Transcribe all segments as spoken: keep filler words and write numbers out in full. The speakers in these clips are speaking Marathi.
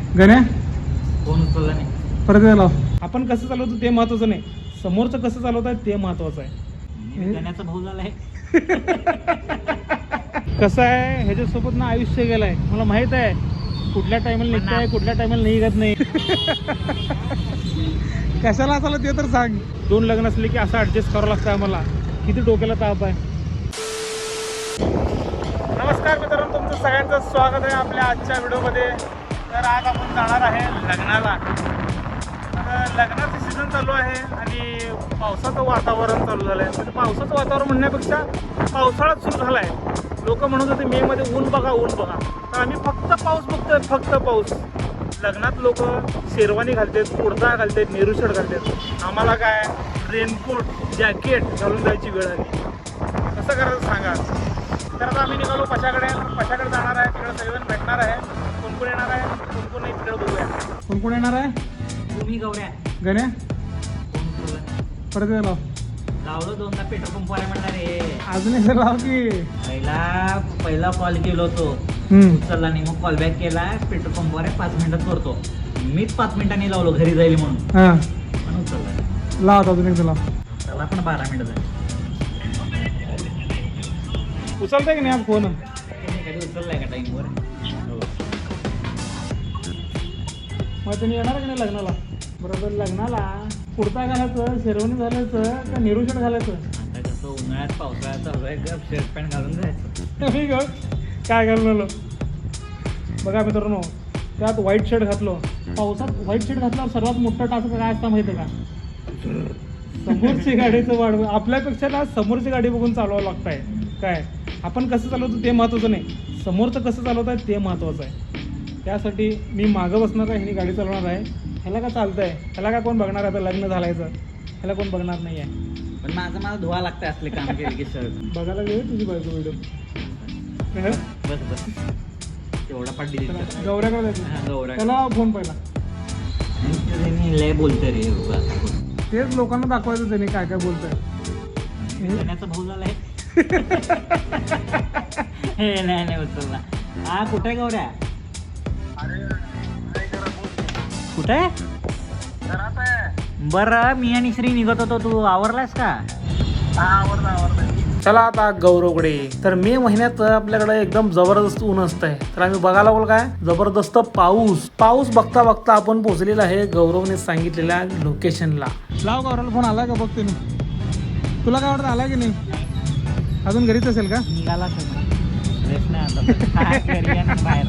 गण्या फोन उचलला नाही. परत लाव. आपण कसं चालवतो ते महत्वाचं नाही, समोरचं कसं चालवत आहे ते महत्वाचं आहे. मी गण्याचा भाऊ झालाय. कसं आहे ह्याच्यासोबत ना आयुष्य गेलंय, मला माहित आहे कुठल्या टायमाला निघताय कुठल्या टायमाला निघत नाही. कशाला असाला ते तर सांग. दोन लग्न असले की असं ऍडजस्ट करावं लागतं आम्हाला. किती डोक्याला ताप आहे. नमस्कार मित्रांनो, तुमचं सगळ्यांचं स्वागत आहे आपल्या आजच्या व्हिडिओमध्ये. तर आज आपण जाणार आहे लग्नाला. तर लग्नाचं सीझन चालू आहे आणि पावसाचं वातावरण चालू झालं आहे. म्हणजे पावसाचं वातावरण म्हणण्यापेक्षा पावसाळाच सुरू झाला आहे. लोक म्हणत होते मे मध्ये ऊन बघा ऊन बघा, तर आम्ही फक्त पाऊस बघतोय, फक्त पाऊस. लग्नात लोक शेरवानी घालतात, कुर्ता घालतात, नेहरू शर्ट घालतात. आम्हाला काय रेनकोट जॅकेट घालून जायची वेळ आली. कसं करायचं सांगा. तर आता आम्ही निघालो पशाकडे. पशाकडे जाणार आहे, तिकडे सगळेजण भेटणार आहे. कोण कोण येणार आहे कोण कोण नाही तिकडे बघूया. कोण कोण येणार आहे. तुम्ही गौऱ्या गण्या फोन उचलला नाही. परत लाव. लावलं दोनदा पेट्रोल पंप वाला म्हणणार रे. अजून एकदा लाव की. पहिला पहिला कॉल केलो होतो, हम्म. उचलला नाही. मग कॉल बॅक केला, पेट्रोल पंपवर आहे, पाच मिनिटात करतो. मीच पाच मिनिटांनी लावलो घरी जाईल म्हणून, हा पण उचलला नाही. लाव अजून एकदा लाव. त्याला पण बारा मिनिटं झाली. उचलताय की नाही आप फोन. त्यांनी कधी उचललाय का टाईमवर. मग तुम्ही येणार की नाही लग्नाला. बरोबर लग्नाला कुर्ता घालायचं, शेरवानी घालायचं का नेहरू शर्ट घालायचं. आता कसं उन्हाळ्यात पावसाळ्यात चालू आहे, गप शर्ट पॅन्ट घालून जायचं. मी ग काय घालून. बघा मित्रांनो, त्यात व्हाईट शर्ट घातलो. पावसात व्हाईट शर्ट घातल्यावर सर्वात मोठा टास्क काय असता माहिती आहे का. समोरची गाडीचं वाढ, आपल्यापेक्षा ना समोरची गाडी बघून चालवावं लागतंय. काय आपण कसं चालवतो ते महत्त्वाचं नाही, समोरचं कसं चालवत आहे ते महत्त्वाचं आहे. त्यासाठी मी मागं बसणार आहे, ह्यानी गाडी चालवणार आहे. ह्याला का चालतंय, ह्याला का कोण बघणार आहे. आता लग्न झालायचं ह्याला कोण बघणार नाही आहे. पण माझं मला धुवा लागतं असले काम केले की शर्ट. बघायला गेलं तुझी बायको व्हिडिओ. बस बस तेवढा पाठ दिली. गौऱ्याकडे जायचं, गौऱ्या त्याला फोन पहिला. लय बोलतोय रे. तेच लोकांना दाखवायचं त्याने काय काय बोलतंय. गण्याचा भाऊ झालाय. हे नाही नाही उचलला. हा कुठे गौऱ्या. कुठे बरं, मी आणि श्री निघत होतो, तू आवरलास का. चला आता गौरवकडे. तर मे महिन्यात आपल्याकडे एकदम जबरदस्त ऊन असतंय. तर आम्ही बघायला बोल काय जबरदस्त पाऊस. पाऊस बघता बघता आपण पोहोचलेला आहे गौरवने सांगितलेल्या लोकेशनला. लाव गौरवला फोन आलाय का बघ तुम्ही. तुला काय वाटतं आलाय की नाही. अजून घरीच असेल का. निघाला बाहेर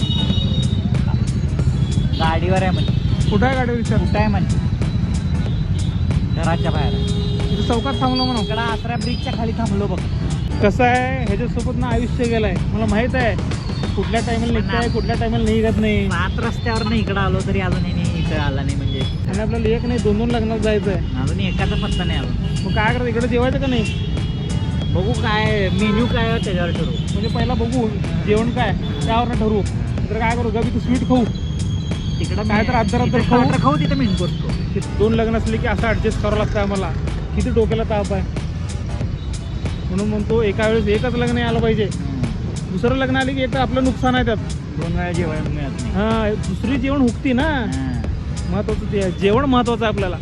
गाडीवर आहे म्हणजे. कुठं आहे गाडी विचार. कुठं आहे म्हणजे घराच्या बाहेर चौकात थांबलो म्हणून. इकडं आसरा ब्रिजच्या खाली थांबलो बघ. कसं आहे ह्याच्यासोबत ना आयुष्य गेलंय, मला माहित आहे कुठल्या टायमाला निघताय कुठल्या टायमाला निघत नाही. सात रस्त्यावर नाही इकडं आलो तरी अजून नाही इकडं आला नाही म्हणजे. आणि आपल्याला एक नाही दोन दोन लग्नात जायचं आहे. अजून एकाचा पत्ता नाही आला. मग काय करायचं इकडे जेवायचं का नाही. बघू काय मेन्यू काय आहे त्याच्यावर ठरवू. म्हणजे पहिला बघू जेवण काय त्यावर ठरवू. तर काय करू गवी तू स्वीट खाऊ तिकडं काय तर अर्धा अर्धा खाऊ खाऊ तिथं मेन करतो. दोन लग्न असले की असं ऍडजस्ट करावं लागतं आम्हाला. किती डोक्याला ताप आहे. म्हणून म्हणतो एका वेळेस एकच लग्न आलं पाहिजे. दुसरं लग्न आले की एक तर आपलं नुकसान आहे त्यात. दोन वेळा जेवण मिळत नाही. हा दुसरी जेवण हुकती ना. महत्वाचं ते जेवण महत्वाचं आहे आपल्याला.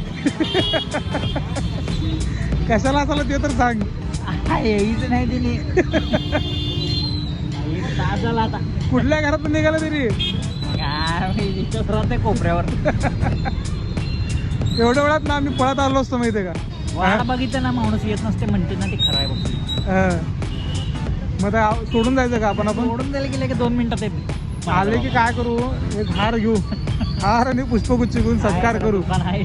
कशाला असाला ते तर सांग. यायच नाही तिने. तास झाला आता. कुठल्या घरात निघाला तरी राहते कोपऱ्यावर. एवढ्या वेळात ना आम्ही पळत आलो असतो माहितीये का. वाट बघितलं ना माणूस येत नसते म्हणते ना, ते खरं आहे बघ. मग आता सोडून जायचं का आपण. आपण सोडून द्यायला गेलं की दोन मिनिटात येते. आले की काय करू, एक हार घेऊ, हार आणि पुष्पगुच्छ घेऊन सत्कार करू.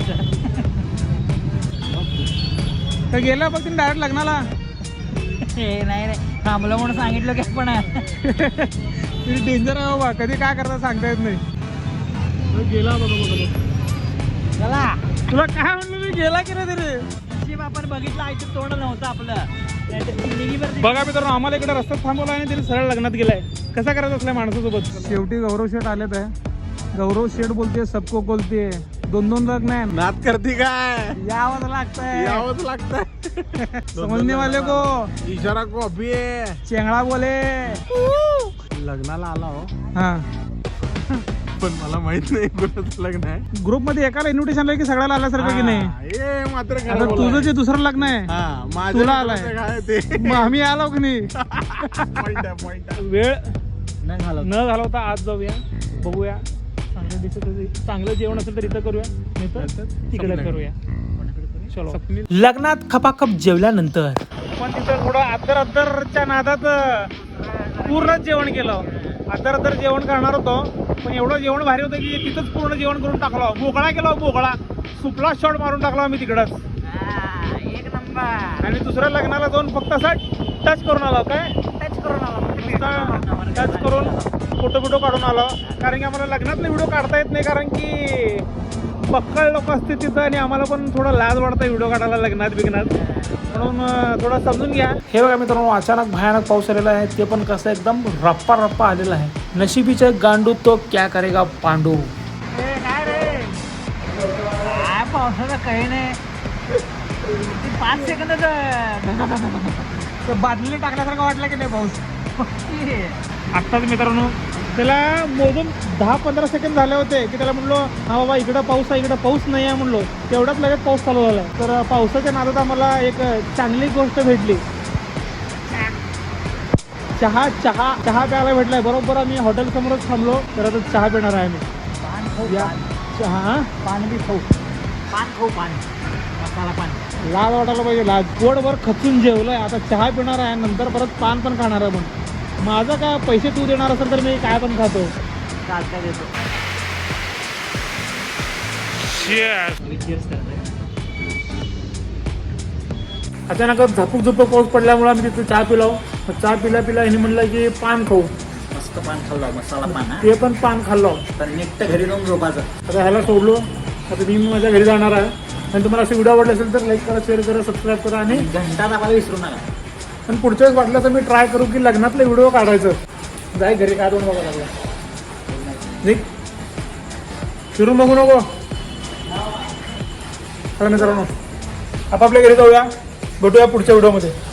तर गेला बघ तुम्ही डायरेक्ट लग्नाला. नाही नाही थांबलं म्हणून सांगितलं की पण तुम्ही डेंजर आहे बाबा, कधी काय करता सांगता येत नाही. गेला बघा बघा चला. तुला काय म्हणलं मी गेला की नाही तरी. नशीब आपण बघितलं आयचं तोंड नव्हतं आपलं. बघा मित्रांनो, आम्हाला इकडे रस्त्यात थांबवला आणि तरी सरळ लग्नात गेलाय. कसा करायचं असल्या माणसासोबत. शेवटी गौरव शेठ आलेत आहे. गौरव शेठ बोलते सबको बोलते. दोन दोन लग्न आहे. नात करती काय. यावंच लागतंय यावंच लागतंय. समजने वाले को इशारा को अभी चेंगळा बोले. लग्नाला आला हो. हा पण मला माहित नाही कुणाचं लग्न आहे. ग्रुप मध्ये एकाला इन्व्हिटेशन आलं की सगळ्याला आल्यासारखं की नाही. हा, हे मात्र खरं आता बोललाय. तुझं जे दुसरं लग्न आहे हा, माझं तुला कुणाचं आलाय. काय ते मग आम्ही आलो की नाही. Point आहे, point आहे. वेळ न घालव न घालवता आज जाऊया, बघूया. चांगलं दिसत असेल- चांगलं जेवण असेल तर इथं करूया, नाही तर तिकडे स्वप्न. करूया. चलो. स्वप्नील. लग्नात खपाखप जेवल्यानंतर पण तिथं थोडं अद्दर अद्दरच्या नादात पूर्ण जेवण केलं. अद्दर अद्दर जेवण करणार होतो, पण एवढं जेवण भारी होतं की तिथंच पूर्ण जेवण करून टाकलं. बोकळा केला, बोकळा सुपला शॉट मारून टाकला आम्ही तिकडंच. एक नंबर आणि दुसऱ्या लग्नाला जाऊन फक्त असा टच करून आलो. काय टच करून आला टच करून फोटो बिटो काढून आलो. कारण की आम्हाला लग्नातले व्हिडिओ काढता येत नाही, कारण की पक्कळ लोक असते तिथं आणि आम्हाला पण थोडं लाज वाटतं व्हिडिओ काढायला लग्नात बिग्नात. म्हणून अं, थोडं समजून घ्या. हे बघा मित्रांनो, अचानक भयानक पाऊस आलेला आहे. ते पण कसं एकदम रप्पा रप्पा आलेला आहे. नशिबीचे गांडू तो क्या करेगा पांडू. काय रे काय पावसाचं काही नाही. ती पाच सेकंद बादली टाकल्यासारखं वाटलं की नाही पाऊस. आत्ताच मित्रांनो त्याला मोजून दहा पंधरा सेकंड झाले होते की त्याला म्हणलो हा बाबा इकडं पाऊस आहे, इकडं पाऊस नाही आहे म्हणलो. तेवढ्याच लगेच पाऊस चालू झाला. तर पावसाच्या नादात आम्हाला एक चांगली गोष्ट भेटली. चहा चहा चहा प्यायला भेटलाय. बरोबर आम्ही हॉटेल समोरच थांबलो. तर आता चहा पिणार आहे आम्ही. पान खाऊ या चहा पान बी खाऊ पान खाऊ पान मसाला पान. लाज वाटायला पाहिजे. लाज पोटभर खचून जेवलोय, आता चहा पिणार आहे, नंतर परत पान पण खाणार आहे. पण माझं काय पैसे तू देणार असेल तर मी काय पण खातो. चालता देतो. अचानकच झपूक झपूक पाऊस पडल्यामुळे आम्ही तिथे चहा पिलो. चहा पिला पिला ह्याने म्हणलं की पान खाऊ. मस्त पान खाल्ला मसाला पान हा. ते पण पान खाल्लो. तर निघतं घरी जाऊन झोपायचं. आता ह्याला सोडलो. आता मी माझ्या घरी जाणार आहे. आणि तुम्हाला असे व्हिडिओ आवडले असेल तर लाईक करा, शेअर करा, सबस्क्राईब करा. आणि घंटा दाबायला विसरू नका. आणि पुढच्या वेळेस वाटलं तर मी ट्राय करू की लग्नातले व्हिडिओ काढायचं. जाय घरी काय दोन बघा लागला. निघ फिरून बघू नको. चला मित्रांनो, आपापल्या घरी जाऊया. भेटूया पुढच्या व्हिडिओमध्ये.